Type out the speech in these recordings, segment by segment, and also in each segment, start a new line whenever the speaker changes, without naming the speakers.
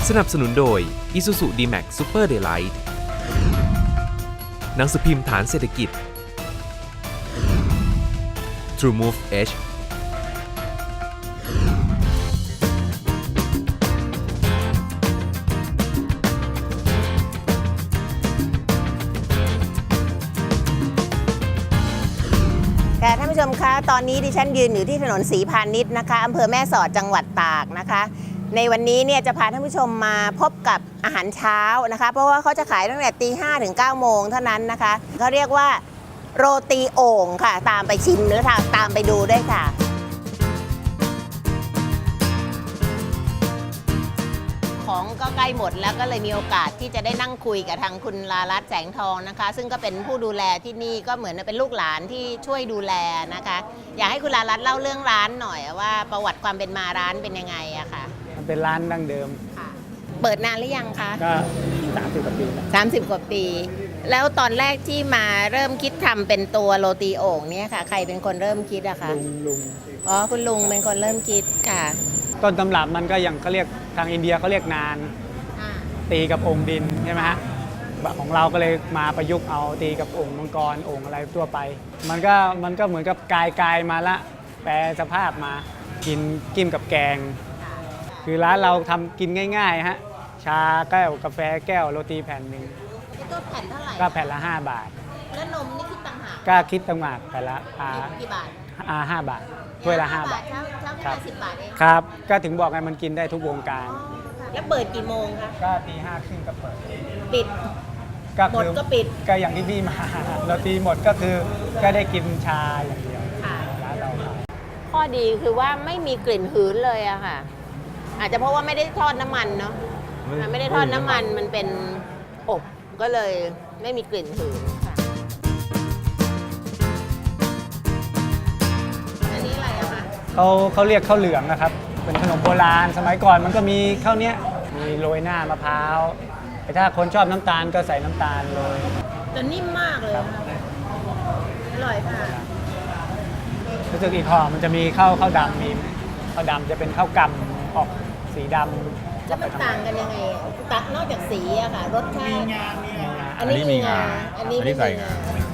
สนับสนุนโดย Isuzu D-Max Super Daylight หนังสือพิมพ์ฐานเศรษฐกิจ TrueMove H
ค่ะท่านผู้ชมคะตอนนี้ดิฉันยืนอยู่ที่ถนนศรีพาณิชย์นะคะอำเภอแม่สอดจังหวัดตากนะคะ ในวันนี้เนี่ยจะพาท่านผู้ชมมาพบกับอาหารเช้านะคะเพราะว่าเขาจะขายตั้งแต่ตี 5 ถึง 9 โมงเท่านั้นนะคะเขาเรียกว่าโรตีโอ่งค่ะตามไปชิมหรือตามไปดูด้วยค่ะของก็ใกล้หมดแล้วก็เลยมีโอกาสที่จะได้นั่งคุยกับทางคุณลาลัตน์แสงทองนะคะซึ่งก็เป็นผู้ดูแลที่นี่ก็เหมือนเป็นลูกหลานที่ช่วยดูแลนะคะอยากให้คุณลาลัตน์เล่าเรื่องร้านหน่อยว่าประวัติความเป็นมาร้านเป็นยังไงอะค่ะ
มันเป็นร้านดั้งเดิม
ค่ะเปิดนานหรือยังคะ
ก็30 กว่าปีแล้ว
30 กว่าปีแล้วตอนแรกที่มาเริ่มคิดทำเป็นตัวโรตีโอ่งเนี่ยค่ะใครเป็นคนเริ่มคิดอะคะ
ลุง
อ๋อคุณลุงเป็นคนเริ่มคิดค่ะ
ต้นตำรับมันก็อย่างเขาเรียกทางอินเดียเขาเรียกนานตีกับองค์ดินใช่ไหมฮะของเราก็เลยมาประยุกต์เอาตีกับองค์มังกรองค์อะไรทั่วไปมันก็เหมือนกับกายมาละแปลสภาพมากินกิ้มกับแกงคือร้านเราทำกินง่ายๆฮะชาแก้วกาแฟแก้วโรตีแผ่นหนึ่ง
ก็แผ่นเท่าไหร่
ก็แผ่นละ5 บาท
แล้วนมนี่คิดต่างหาก
ก็คิดต่างหากแผ่นละ
กี่บาท
5 บาทถ้วยละ5 บาท
ครับ10 บาทเอง
ครับก็ถึงบอกไงมันกินได้ทุกวงการ
แล้วเปิดกี่โมงคะ
ก็ตี 5 ครึ่งก็เปิด
ปิดหมดก็ปิด
ก็อย่างที่พี่มาเราตีหมดก็คือก็ได้กินชาอย่างเดียวร้านเรา
ข้อดีคือว่าไม่มีกลิ่นหืนเลยอะค่ะอาจจะเพราะว่าไม่ได้ทอดน้ำมันเนาะไม่ได้ทอดน้ำมันมันเป็นอบก็เลยไม่มีกลิ่นหืนค่ะอันนี้อะไรอะคะ
เขาเรียกข้าวเหลืองนะครับเป็นขนมโบราณสมัยก่อนมันก็มีข้าวเนี้ยมีโรยหน้ามะพร้าวแต่ถ้าคนชอบน้ำตาลก็ใส่น้ำตาลเลย
แต่นิ่มมากเลยอร่อยค่ะ
รู้สึกอีกห่อมันจะมีข้าวดำมีข้าวดำจะเป็นข้าวกำออกสีดำ
จะมันต่างกันยังไงตัดนอกจากสีอะค่ะรสชาติ
อันนี้มีงาอันนี้ใส่งา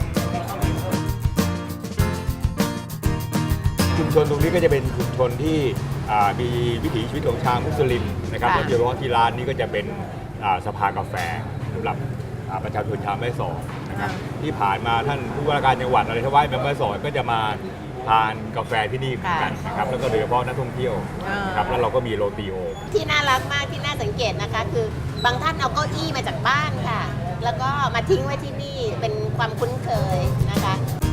ชุมชนตรงนี้ก็จะเป็นชุมชนที่มีวิถีชีวิตของชาวมุสลิมนะครับแล้วโดยเฉพาะที่ร้านนี้ก็จะเป็นสภากาแฟสำหรับประชาชนชาวแม่สอดนะครับที่ผ่านมาท่านผู้ว่าการจังหวัดอะไรทว่าแม่สอดก็จะมาทานกาแฟที่นี่เหมือนกันนะครับแล้วก็โดยเฉพาะนักท่องเที่ยวนะครับแล้วเราก็มีโรตีโอ
ที่น่ารักมากที่น่าสังเกตนะคะคือบางท่านเอาเก้าอี้มาจากบ้านค่ะแล้วก็มาทิ้งไว้ที่นี่เป็นความคุ้นเคยนะคะ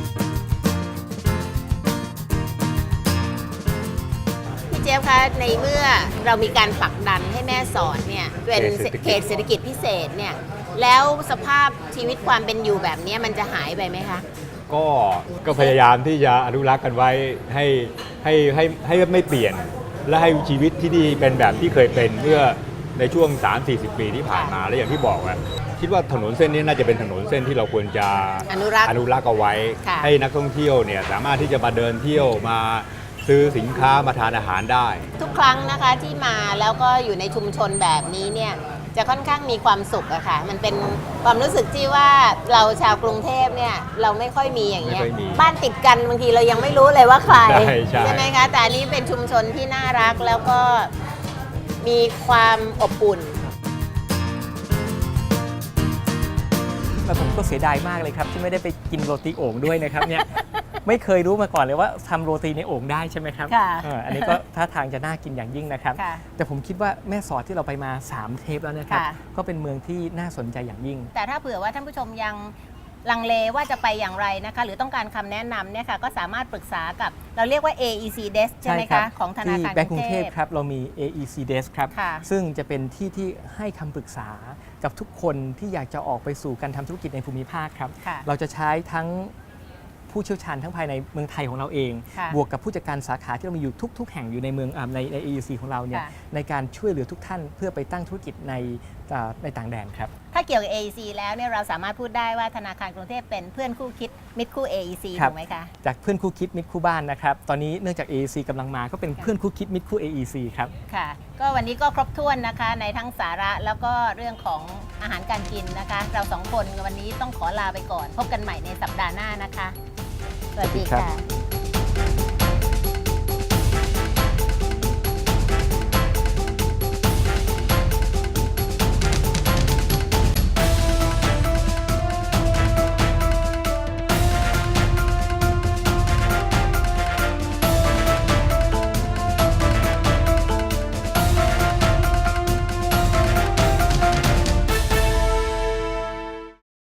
พี่เจี๊ยบคะในเมื่อเรามีการผลักดันให้แม่สอดเนี่ยเป็นเขตเศรษฐกิจพิเศษเนี่ยแล้วสภาพชีวิตความเป็นอยู่แบบนี้มันจะหายไปไหมคะ
ก็พยายามที่จะอนุรักษ์กันไว้ให้ไม่เปลี่ยนและให้ชีวิตที่นี่เป็นแบบที่เคยเป็นเมื่อในช่วง 3-40 ปีที่ผ่านมาและอย่างที่บอกว่าคิดว่าถนนเส้นนี้น่าจะเป็นถนนเส้นที่เราควรจะ
อนุรักษ์
เอาไว้ให้นักท่องเที่ยวเนี่ยสามารถที่จะมาเดินเที่ยวมาซื้อสินค้ามาทานอาหารได้
ทุกครั้งนะคะที่มาแล้วก็อยู่ในชุมชนแบบนี้เนี่ยจะค่อนข้างมีความสุขอะค่ะมันเป็นความรู้สึกที่ว่าเราชาวกรุงเทพเนี่ยเราไม่ค่อยมีอย่างเงี้ยบ้านติดกันบางทีเรายังไม่รู้เลยว่าใครใช่ไหมคะแต่อันนี้เป็นชุมชนที่น่ารักแล้วก็มีความอบอุ่น
แล้วผมก็เสียดายมากเลยครับที่ไม่ได้ไปกินโรตีโอ่งด้วยนะครับเนี่ยไม่เคยรู้มาก่อนเลยว่าทำโรตีในโอ่งได้ใช่ไหมครับอันนี้ก็ท่าทางจะน่ากินอย่างยิ่งนะครับแต่ผมคิดว่าแม่สอดที่เราไปมา3 เทปแล้วนะครับก็เป็นเมืองที่น่าสนใจอย่างยิ่ง
แต่ถ้าเผื่อว่าท่านผู้ชมยังลังเลว่าจะไปอย่างไรนะคะหรือต้องการคำแนะนำเนี่ยค่ะก็สามารถปรึกษากับเราเรียกว่า AEC Desk ใช่ไหมคะของธนาคาร
แบงก์กรุงเทพครับเรามี AEC Desk ครับซึ่งจะเป็นที่ให้คำปรึกษากับทุกคนที่อยากจะออกไปสู่การทำธุรกิจในภูมิภาคครับเราจะใช้ทั้งผู้เชี่ยวชาญทั้งภายในเมืองไทยของเราเองบวกกับผู้จัดการสาขาที่เรามีอยู่ทุกแห่งอยู่ในเมืองใน AEC ของเราเนี่ยในการช่วยเหลือทุกท่านเพื่อไปตั้งธุรกิจในต่างแดนครับ
ถ้าเกี่ยวกับ AEC แล้วเนี่ยเราสามารถพูดได้ว่าธนาคารกรุงเทพเป็นเพื่อนคู่คิดมิตรคู่ AEC ถูกไหมคะ
จากเพื่อนคู่คิดมิตรคู่บ้านนะครับตอนนี้เนื่องจาก AEC กำลังมาก็เป็นเพื่อนคู่คิดมิตรคู่ AEC ครับ
ค่ะก็วันนี้ก็ครบถ้วนนะคะในทั้งสาระแล้วก็เรื่องของอาหารการกินนะคะ เรา2 คนวันนี้ต้องขอลาไปก่อน พบกันใหม่ในสัปดาห์หน้านะคะ สวัสดีค่ะ